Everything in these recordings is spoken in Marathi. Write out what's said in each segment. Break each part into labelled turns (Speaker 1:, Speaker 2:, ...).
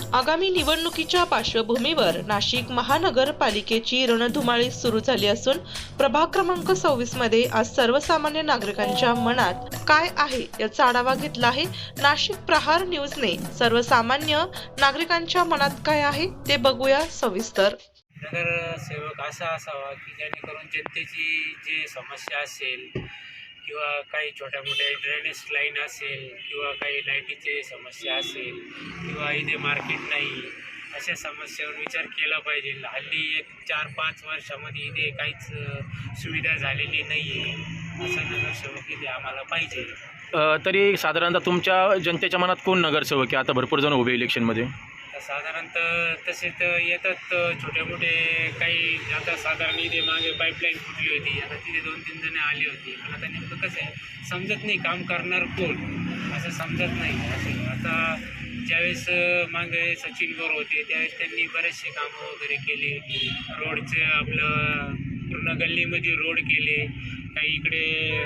Speaker 1: आगामी निवडणुकीच्या पार्श्वभूमीवर नाशिक महानगरपालिकेची रणधुमाळी सुरू झाली असून प्रभाग क्रमांक 26 मध्ये आज सर्वसामान्य नागरिकांच्या मनात काय आहे याचा आढावा घेतला आहे. नाशिक प्रहार न्यूजने सर्वसामान्य नागरिकांच्या मनात काय आहे ते बघूया सविस्तर.
Speaker 2: नगरसेवक असा असावा की जेणेकरून जनतेची जी समस्या असेल किंवा काही छोट्या मोठ्या ड्रेनेज लाईन असेल किंवा काही लाईटीची समस्या असेल किंवा इथे मार्केट नाही अशा समस्यावर विचार केला पाहिजे. हल्ली 4-5 वर्षामध्ये इथे काहीच सुविधा झालेली नाही आहे. असा नगरसेवक इथे आम्हाला पाहिजे.
Speaker 3: तरी साधारणतः तुमच्या जनतेच्या मनात कोण नगरसेवक आहे? आता भरपूर जण उभे इलेक्शनमध्ये.
Speaker 2: साधारणतः तसे तर येतात छोटे मोठे काही. आता साधारण इथे मागे पाईपलाईन फुटली होती, आता तिथे 2-3 जण आली होती. पण आता नेमकं कसं आहे समजत नाही काम करणार कोण असं समजत नाही. असं आता ज्यावेळेस मागे सचिन बोर होते त्यावेळेस त्यांनी बरेचसे कामं वगैरे केले. रोडचे आपलं पूर्ण गल्लीमध्ये रोड केले, काही इकडे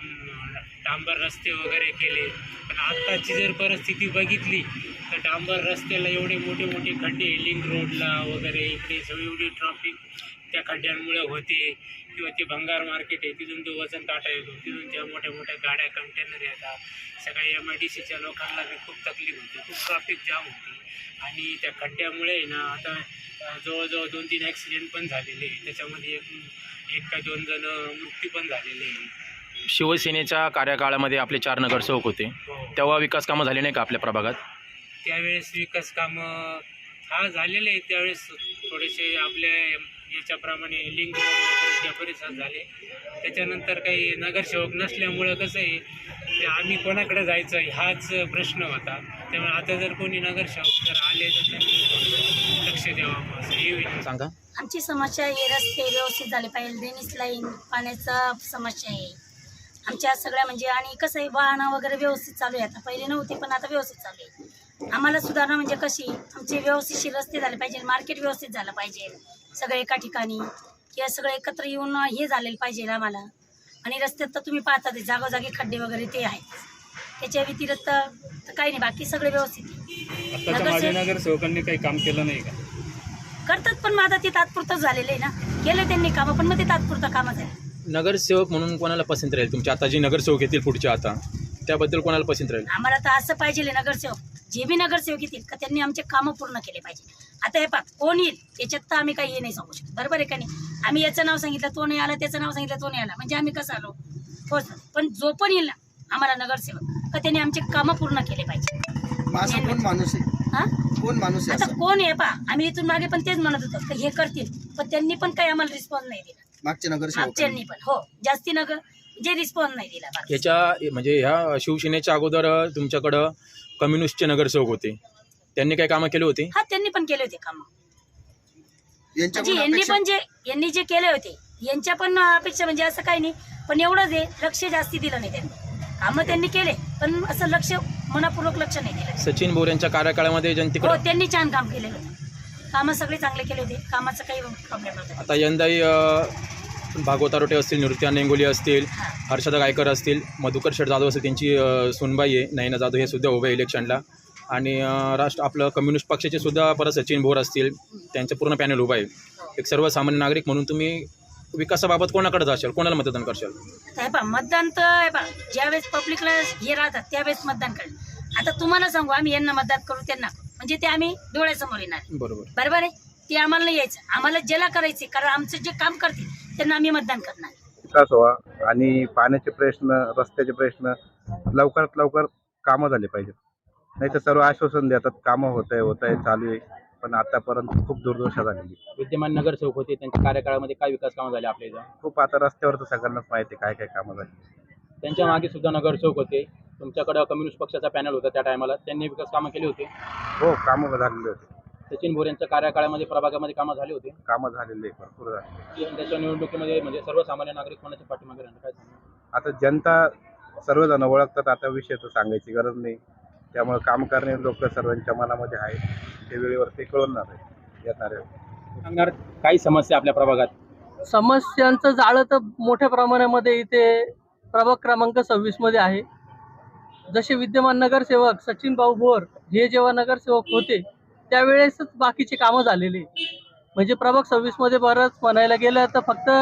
Speaker 2: डांबर रस्ते वगैरे केले. पण आत्ताची जर परिस्थिती बघितली तर डांबर रस्त्याला एवढे मोठे मोठे खड्डे, लिंक रोडला वगैरे इकडे सगळी एवढी ट्रॉफिक त्या खड्ड्यांमुळे होते. किंवा ते भंगार मार्केट आहे तिथून तो वजन काटा येतो, तिथून त्या मोठ्या मोठ्या गाड्या कंटेनर येतात. सगळ्या MIDCच्या लोकांना बी खूप तकलीफ होती, खूप ट्रॉफिक जाम होती. आणि त्या खड्ड्यामुळे ना आता जवळजवळ 2-3 ॲक्सिडेंट पण झालेले. त्याच्यामध्ये एक का 2 जण मृत्यू पण झालेले आहे.
Speaker 3: शिवसेनेच्या कार्यकाळामध्ये आपले 4 नगरसेवक होते, तेव्हा विकास कामं झाले नाही का आपल्या प्रभागात?
Speaker 2: त्यावेळेस विकास कामं झालेले आहेत. त्यावेळेस थोडेसे आपल्या याच्याप्रमाणे लिंक वगैरे त्या परिसरात झाले. त्याच्यानंतर काही नगरसेवक नसल्यामुळं कसं आहे ते आम्ही कोणाकडे जायचं हाच प्रश्न होता. त्यामुळे आता जर कोणी नगरसेवक जर आले तर त्यांनी लक्ष द्यावं असं हे
Speaker 3: सांगा.
Speaker 4: आमची समस्या हे रस्ते व्यवस्थित झाले पाहिजे, ड्रेनेज लाईन, पाण्याचा समस्या आहे आमच्या सगळ्या. म्हणजे आणि कसं आहे वाहनं वगैरे व्यवस्थित चालू आहे. आता पहिले नव्हते पण आता व्यवस्थित चालू आहे. आम्हाला सुधारणा म्हणजे कशी आमचे व्यवस्थितशीर रस्ते झाले पाहिजे, मार्केट व्यवस्थित झालं पाहिजे, सगळे एका ठिकाणी किंवा सगळे एकत्र येऊन हे झालेलं पाहिजे आम्हाला. आणि रस्त्यात तर तुम्ही पाहता ते जागोजागी खड्डे वगैरे ते आहेत. त्याच्या व्यतिरिक्त तर काही नाही, बाकी सगळे व्यवस्थित आहे.
Speaker 5: नगरसेवकांनी काही काम केलं नाही का?
Speaker 4: करतात पण मग आता ते तात्पुरतं झालेलं आहे ना. केलं त्यांनी कामं पण मग ते तात्पुरतं कामं झालं.
Speaker 3: नगरसेवक म्हणून कोणाला पसंत राहील तुमच्या? आता जी नगरसेवक येतील पुढच्या आता त्याबद्दल कोणाला पसंत राहील?
Speaker 4: आम्हाला तर असं पाहिजे नगरसेवक, जे बी नगरसेवक येतील का त्यांनी आमचे कामं पूर्ण केले पाहिजे. आता हे पहा कोण येईल याच्यात तर आम्ही काही हे नाही सांगू शकत, बरोबर आहे का नाही. आम्ही याचं नाव सांगितलं तो नाही आला, त्याचं नाव सांगितलं तो नाही आला, म्हणजे आम्ही कसं आलो होच. पण जो पण येईल ना आम्हाला नगरसेवक का त्यांनी आमचे कामं पूर्ण केले पाहिजे.
Speaker 6: कोण माणूस आहे?
Speaker 4: हा
Speaker 6: कोण माणूस आहे?
Speaker 4: आता कोण आहे पहा, आम्ही इथून मागे पण तेच म्हणत होतो की हे करतील, पण त्यांनी पण काही आम्हाला रिस्पॉन्स नाही दिला.
Speaker 6: मागच्या
Speaker 4: मागच्यांनी पण हो जास्ती जे रिस्पॉन्स नाही दिला.
Speaker 3: याच्या म्हणजे ह्या शिवसेनेच्या अगोदर तुमच्याकडं कम्युनिस्टचे नगरसेवक होते, त्यांनी काय कामं केले होते?
Speaker 4: हा त्यांनी पण केले होते कामं. यांनी जे केले होते यांच्या पण अपेक्षा म्हणजे असं काही नाही, पण एवढंच आहे लक्ष जास्ती दिलं नाही त्यांनी. कामं त्यांनी केले पण असं लक्ष मनापूर्वक लक्ष नाही दिलं.
Speaker 3: सचिन बोर यांच्या कार्यकाळामध्ये जनतेकडे
Speaker 4: त्यांनी छान काम केलेलं होतं, कामं सगळे चांगले केले होते, कामाचं काही प्रॉब्लेम नव्हता.
Speaker 3: आता यंदाही भागवत आरोटे असतील, नृत्या नेंगोली असतील, हर्षदा गायकर असतील, मधुकर शेठ जाधव असतील, त्यांची सुनबाई आहे नयना जाधव, हे सुद्धा उभे इलेक्शनला. आणि आपलं कम्युनिस्ट पक्षाचे सुद्धा परत सचिन भोर असतील, त्यांचं पूर्ण पॅनल उभं आहे. एक सर्वसामान्य नागरिक म्हणून तुम्ही विकासाबाबत कोणाकडे जाशाल, कोणाला मतदान करशाल?
Speaker 4: हे पहा मतदान तर ज्यावेळेस पब्लिकला हे राहतात त्यावेळेस मतदान करेल. आता तुम्हाला सांगू आम्ही यांना मतदान करू त्यांना म्हणजे ते आम्ही डोळ्यासमोर येणार. बरोबर आहे, ते आम्हाला नाही यायचं, आम्हाला ज्याला करायचे कारण आमचं जे काम करतील त्यांना आम्ही मतदान करणार.
Speaker 7: विकास व्हावा आणि पाण्याचे प्रश्न, रस्त्याचे प्रश्न लवकरात लवकर कामं झाले पाहिजेत. नाही तर सर्व आश्वासन देतात कामं होत आहे चालू आहे, पण आतापर्यंत खूप दुर्दशा झालेली.
Speaker 3: विद्यमान नगरसेवक होते त्यांच्या कार्यकाळामध्ये काय विकास कामं झाले आपल्या इथं?
Speaker 7: खूप आता रस्त्यावर तर सगळ्यांनाच माहिती आहे काय काय कामं झाली.
Speaker 3: त्यांच्या मागे सुद्धा नगरसेवक होते, तुमच्याकडं कम्युनिस्ट पक्षाचा पॅनल होता त्या टायमाला, त्यांनी विकास कामं केली होते?
Speaker 7: हो, कामं झालेली होती.
Speaker 3: सचिन भोर यांच्या कार्यकाळामध्ये प्रभागामध्ये कामं झाली होती?
Speaker 7: कामं झालेली आहे, भरपूर झाली.
Speaker 3: यंदाच्या निवडणुकीमध्ये म्हणजे सर्वसामान्य नागरिक कोणाच्या पाठीमागे राहणार काय सांगणार?
Speaker 7: आता जनता सर्वजण ओळखतात, आता विषय तर सांगायची गरज नाही. त्यामुळे काम करणे लोक सर्वांच्या मनामध्ये आहे, ते वेळेवरती कळवणार आहे येणार आहे.
Speaker 3: सांगणार काही समस्या आपल्या प्रभागात?
Speaker 8: समस्यांचं जाळं तर मोठ्या प्रमाणामध्ये इथे प्रभाग क्रमांक 26 मध्ये आहे. जसे विद्यमान नगरसेवक सचिन भाऊ भोर हे जेव्हा नगरसेवक होते त्यावेळेसच बाकीचे कामं झालेले. म्हणजे प्रभाग 26मध्ये बरंच म्हणायला गेलं तर फक्त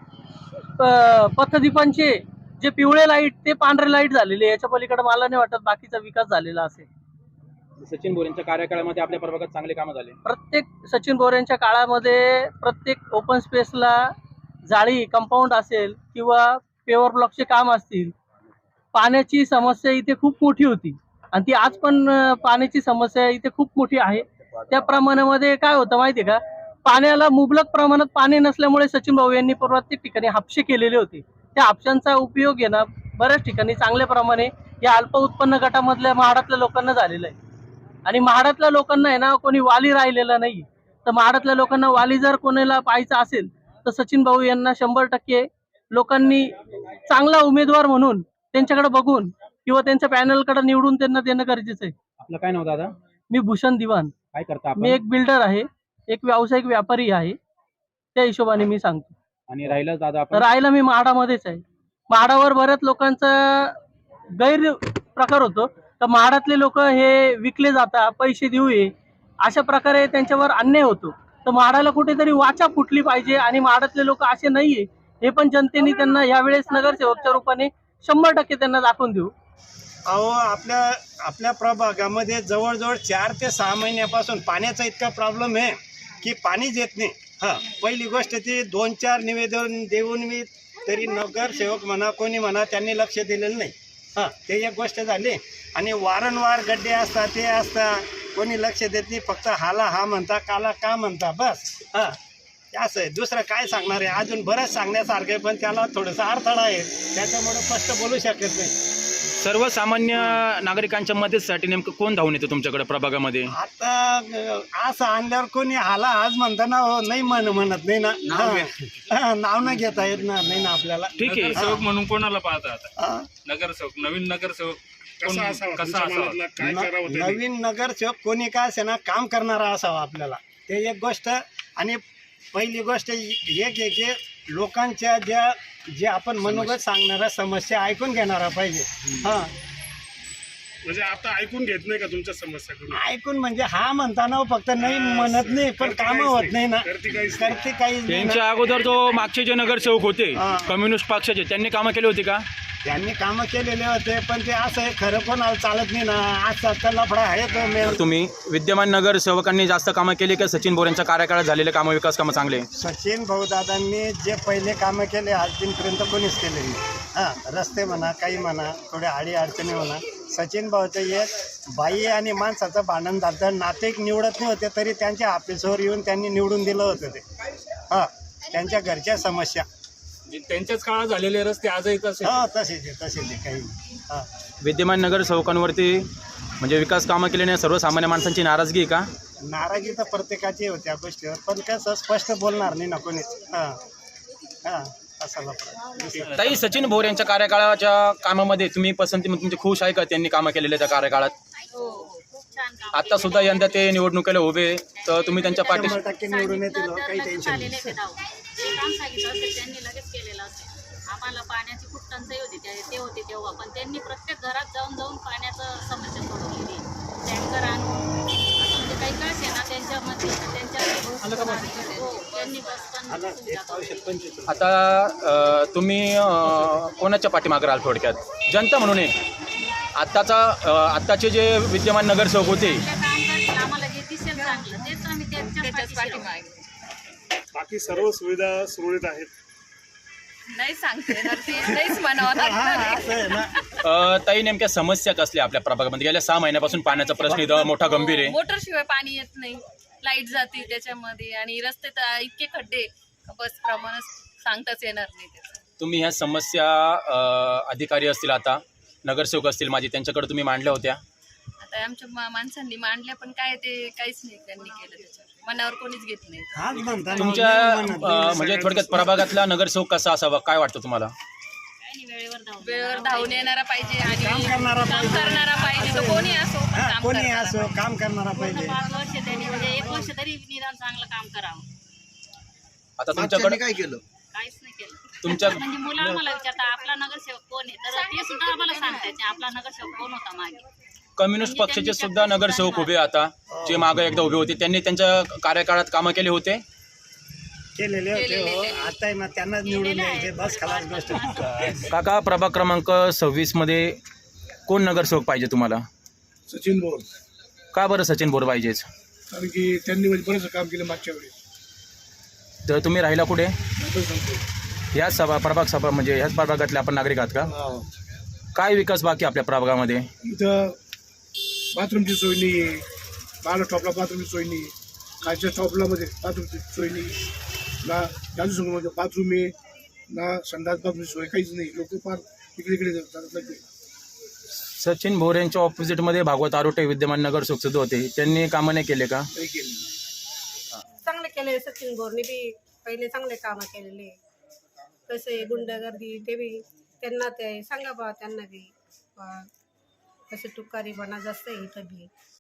Speaker 8: पथदीपांचे जे पिवळे लाईट ते पांढरे लाईट झालेले, याच्या पलीकडे मला नाही वाटत बाकीचा विकास झालेला असेल.
Speaker 3: सचिन बोरेंच्या कार्यकाळामध्ये आपल्या प्रभागात चांगले कामं झाले.
Speaker 8: प्रत्येक सचिन बोरेंच्या काळामध्ये प्रत्येक ओपन स्पेसला जाळी कंपाऊंड असेल किंवा पेवर ब्लॉकचे काम असतील, पाण्याची समस्या इथे खूप मोठी होती आणि ती आज पण पाण्याची समस्या इथे खूप मोठी आहे. त्या प्रमाणामध्ये काय होतं माहिती आहे का, पाण्याला मुबलक प्रमाणात पाणी नसल्यामुळे सचिन भाऊ यांनी प्रत्येक ठिकाणी हापशे केलेले होते. त्या हापशांचा उपयोग आहे ना बऱ्याच ठिकाणी चांगल्या प्रमाणे या अल्प उत्पन्न गटामधल्या म्हाडातल्या लोकांना झालेला आहे. आणि म्हाडातल्या लोकांना आहे ना कोणी वाली राहिलेला नाही. तर म्हाडातल्या लोकांना वाली जर कोणाला पाहायचा असेल तर सचिन भाऊ यांना 100% लोकांनी चांगला उमेदवार म्हणून त्यांच्याकडे बघून किंवा त्यांच्या पॅनलकडे निवडून त्यांना देणं गरजेचं आहे.
Speaker 3: आपलं काय नाव दादा?
Speaker 8: मी भूषण दिवाण.
Speaker 3: काय करता आपण?
Speaker 8: मी एक बिल्डर आहे, एक व्यावसायिक व्यापारी आहे. त्या हिशोबाने मी सांगतो.
Speaker 3: आणि राहिलं दादा आपण?
Speaker 8: राहायला मी म्हाडामध्येच आहे. म्हाडावर बऱ्याच लोकांचा गैर प्रकार होतो. तर म्हाडातले लोक हे विकले जातात, पैसे देऊ ये अशा प्रकारे त्यांच्यावर अन्याय होतो. तर म्हाडाला कुठेतरी वाचा फुटली पाहिजे आणि म्हाडातले लोक असे नाहीये हे पण जनतेने त्यांना यावेळेस नगरसेवकच्या रूपाने 100% त्यांना दाखवून देऊ.
Speaker 9: अहो आपल्या प्रभागामध्ये जवळजवळ 4 ते 6 महिन्यापासून पाण्याचा इतका प्रॉब्लेम आहे की पाणीच येत नाही. हां, पहिली गोष्ट ती 2-4 निवेदन देऊन मी तरी नगरसेवक म्हणा कोणी म्हणा त्यांनी लक्ष दिलेलं नाही. हां, ते एक गोष्ट झाली. आणि वारंवार गड्डे असतात ते असतात, कोणी लक्ष देत नाही. फक्त हाला हा म्हणता काला का म्हणता बस. हां, असं आहे. दुसरं काय सांगणार आहे, अजून बरंच सांगण्यासारखं आहे पण त्याला थोडासा अडथळा आहे, त्याच्यामुळे स्पष्ट बोलू शकत नाही.
Speaker 3: सर्वसामान्य नागरिकांच्या मदतीसाठी नेमकं कोण धावून येतं तुमच्याकडे प्रभागामध्ये?
Speaker 9: आता असं आणल्यावर कोणी हाला आज म्हणता ना हो, नाही म्हणत नाही ना. नाव न घेता येत ना नाही ना आपल्याला.
Speaker 3: ठीक आहे.
Speaker 5: नगरसेवक म्हणून कोणाला पाहता आता?
Speaker 9: हां.
Speaker 5: नवीन नगरसेवक कसा असावा?
Speaker 9: नवीन नगरसेवक कोणी काय असे ना काम करणारा असावा आपल्याला, ते एक गोष्ट. आणि पहिली गोष्ट एक आहे की लोकांच्या जे आपण मनोगत सांगणाऱ्या समस्या ऐकून घेणारा पाहिजे. हां,
Speaker 5: म्हणजे आता ऐकून घेत नाही का तुमच्या समस्या?
Speaker 9: ऐकून म्हणजे हा म्हणताना फक्त नाही म्हणत नाही पण कामं होत नाही ना, करते काही नाही ना.
Speaker 3: त्यांच्या अगोदर जो मागचे जे नगरसेवक होते कम्युनिस्ट पक्षाचे, त्यांनी कामं केली होती का?
Speaker 9: त्यांनी कामं केलेले होते पण ते असं आहे खरं कोणाला चालत नाही ना. आजचा लफडा आहे तो.
Speaker 3: तुम्ही विद्यमान नगरसेवकांनी जास्त कामं केली का सचिन बोरेंच्या कार्यकाळात झालेले कामं, विकास कामं चांगले?
Speaker 9: सचिन भाऊदादांनी जे पहिले कामं केले आजपर्यंत कोणीच केले नाही. हां, रस्ते म्हणा काही म्हणा थोड्या अडचणी म्हणा. सचिन भाऊचं एक बाई आणि माणसाचं भांडण झालं, नातेक निवडत नाही होते तरी त्यांच्या ऑफिसवर येऊन त्यांनी निवडून दिलं होतं ते. हां, त्यांच्या घरच्या समस्या
Speaker 5: त्यांच्याच काळात झालेले रस्ते आजही तसे?
Speaker 9: हां, तसेच आहे काही. हां,
Speaker 3: विद्यमान नगरसेवकांवरती म्हणजे विकास कामं केल्याने सर्वसामान्य माणसांची नाराजगी आहे का?
Speaker 9: नाराजी तर प्रत्येकाची होती या गोष्टीवर पण कसं स्पष्ट बोलणार नाही ना कोणीच. हां हां, असा लफडा.
Speaker 3: ताई, सचिन भोर यांच्या कार्यकाळाच्या कामामध्ये तुम्ही पसंती तुमची खुश आहे का? त्यांनी कामं केलेले त्या कार्यकाळात? आता सुद्धा यंदा ते निवडणुकीला उभे, तर तुम्ही त्यांच्या पाठीशी?
Speaker 9: 100% निवडून येतील, काही टेन्शन नाही.
Speaker 4: जे काम सांगितलं असेल त्यांनी लगेच केलेलं असेल. आम्हाला पाण्याची खूप टंचाई होती ते होते तेव्हा, पण त्यांनी प्रत्येक घरात जाऊन पाण्याचं समस्या सोडवलेली. टँकर आणून म्हणजे काही कळस आहे ना त्यांच्यामध्ये त्यांनी बस.
Speaker 3: आता तुम्ही कोणाच्या पाठीमागे राहाल थोडक्यात? जनता म्हणून आत्ताचे जे विद्यमान नगरसेवक होते
Speaker 4: आम्हाला जे दिसेल चांगलं तेच आम्ही त्याच्याच पाठीशी.
Speaker 5: बाकी सर्व सुविधा सुरळीत आहेत?
Speaker 10: नाही सांगते येणार ते, नाहीच म्हणावं लागतं.
Speaker 3: ताई, नेमक्या समस्या कसल्या आपल्या प्रभागामध्ये? गेल्या 6 महिन्यापासून पाण्याचा प्रश्न इथं मोठा गंभीर आहे.
Speaker 10: मोटर शिवाय पाणी येत नाही, लाईट जाते त्याच्यामध्ये आणि रस्ते तर इतके खड्डे बस प्रमाण सांगताच येणार नाही त्याचं.
Speaker 3: तुम्ही ह्या समस्या अधिकारी असतील, आता नगरसेवक असतील माझे, त्यांच्याकडे तुम्ही मांडल्या होत्या?
Speaker 10: आता आमच्या माणसांनी मांडल्या पण काय ते काहीच नाही त्यांनी केलं त्याच्यावर, मनावर कोणीच घेत नाही.
Speaker 3: तुमच्या म्हणजे थोडक्यात प्रभागातला नगरसेवक कसा असावा, काय वाटतं तुम्हाला?
Speaker 10: वेळेवर धावून येणारा पाहिजे आणि
Speaker 9: काम करणारा
Speaker 10: पाहिजे. तो कोणी असो
Speaker 9: काम करणारा पाहिजे.
Speaker 4: 5 वर्ष त्यांनी म्हणजे 1 वर्ष तरी निदान चांगलं काम करावं.
Speaker 3: आता तुमच्याकडे
Speaker 6: काय केलं?
Speaker 4: काहीच नाही केलं.
Speaker 3: तुमच्या
Speaker 4: म्हणजे मुलं मला विचारता आपला नगरसेवक कोण आहे, तर ते सुद्धा आम्हाला सांगतात आपला नगरसेवक कोण होता मागे.
Speaker 3: कम्युनिस्ट पक्षाचे सुद्धा नगरसेवक उभे आता, जे मागे एकदा उभे होते, त्यांनी त्यांच्या कार्यकाळात कामं केले होते.
Speaker 9: केलेले होते हो. आता मग त्यांना निवडून द्यायचे बस खलास गोष्ट.
Speaker 3: काका, प्रभाग क्रमांक 26 मध्ये कोण नगरसेवक पाहिजे तुम्हाला?
Speaker 5: सचिन बोर,
Speaker 3: का बरं सचिन बोर पाहिजेच?
Speaker 5: कारण की त्यांनी म्हणजे बरेच काम केलं मागच्या वेळेस.
Speaker 3: तर तुम्ही राहिला कुठे?
Speaker 5: आता सांगतो.
Speaker 3: ह्याच प्रभाग सभा म्हणजे ह्याच प्रभागातले आपण नागरिक आहात का?
Speaker 5: हा.
Speaker 3: काय विकास बाकी आपल्या प्रभागामध्ये?
Speaker 5: इथं बाथरूमची सोय नाही आहे, बाला टॉपला बाथरूमची सोय नाही, खालच्या टॉपला मध्ये बाथरूमची सोय नाही, ना जादूसंगमध्ये बाथरूम आहे, ना संडास बाथरूमची सोय काहीच नाही. लोक फार इकडे इकडे जातात लागले.
Speaker 3: सचिन भोर यांच्या ऑपोजिटमध्ये भागवत आरोटे विद्यमान नगरसेवक सुद्धा होते, त्यांनी कामं नाही केले का?
Speaker 5: काही केलं नाही.
Speaker 11: चांगले केले सचिन बोरने बी, पहिले चांगले कामं केलेले. कसे गुंडगर्दी ते बी त्यांना ते सांगा बा, त्यांना बी कसे तुकारीपणा जास्त आहे इथं बी.